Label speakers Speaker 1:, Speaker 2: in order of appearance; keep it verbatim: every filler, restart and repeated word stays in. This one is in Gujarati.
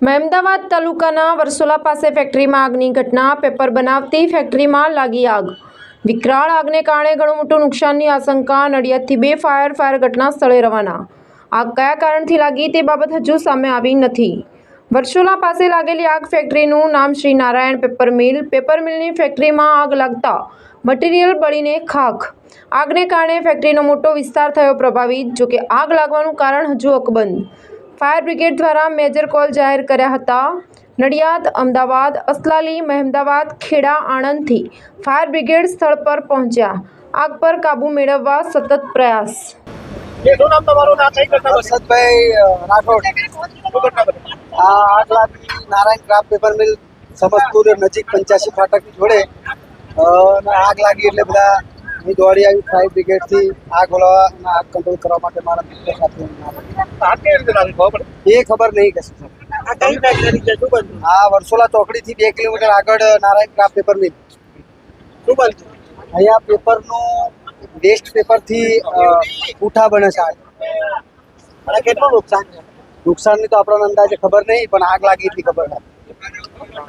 Speaker 1: મહેમદાવાદ તાલુકાના વરસોલા પાસે ફેક્ટરીમાં આગની ઘટના। પેપર બનાવતી ફેક્ટરીમાં લાગી આગ। વિકરાળ આગને કારણે ઘણું મોટું નુકસાનની આશંકા। નડિયાદથી બે ફાયર ફાયર ઘટના સ્થળે રવાના। આગ કયા કારણથી લાગી તે બાબત હજુ સામે આવી નથી। વરસોલા પાસે લાગેલી આગ ફેક્ટરીનું નામ Shri Narayan paper mill. Paper મિલની ફેક્ટરીમાં આગ લાગતા મટીરિયલ બળીને ખાખ। આગને કારણે ફેક્ટરીનો મોટો વિસ્તાર થયો પ્રભાવિત। જોકે આગ લાગવાનું કારણ હજુ અકબંધ। ફાયર બ્રિગેડ દ્વારા મેજર કોલ જાહેર કર્યા હતા। નડિયાદ, અમદાવાદ, અસલાલી, મહેમદાવાદ, ખેડા, આણંદથી ફાયર બ્રિગેડ સ્થળ પર પહોંચ્યા। આગ પર કાબૂ મેળવવા સતત પ્રયાસ।
Speaker 2: શું નામ તમારું? નામ કઈ ઘટના?
Speaker 3: હર્ષદભાઈ રાઠોડ। આ આગ લાગી Narayan craft paper mill Samastpur નજીક પંચ્યાસી ફાટક જોડે આગ લાગી એટલે બધા અહીં દોડી આવી ફાયર બ્રિગેડથી આગ ઓલવા આગ કંટ્રોલ કરવા માટે મારા મિત્ર સાથે
Speaker 2: આગ કેવી રીતે લાગી ખબર પડે?
Speaker 3: એ ખબર નહીં કશું સર।
Speaker 2: આ કઈ ફેક્ટરી છે? શું બનતું?
Speaker 3: આ વરસોલા ચોકડીથી બે કિલોમીટર આગળ નારાયણ ક્રાફ્ટ પેપર મિલ।
Speaker 2: શું બનતું?
Speaker 3: અહીંયા પેપરનું વેસ્ટ પેપરથી પૂઠા બને છે।
Speaker 2: અને કેટલું નુકસાન છે?
Speaker 3: નુકસાનની તો આપણને અંદાજે ખબર નહીં, પણ આગ લાગી એટલી ખબર છે।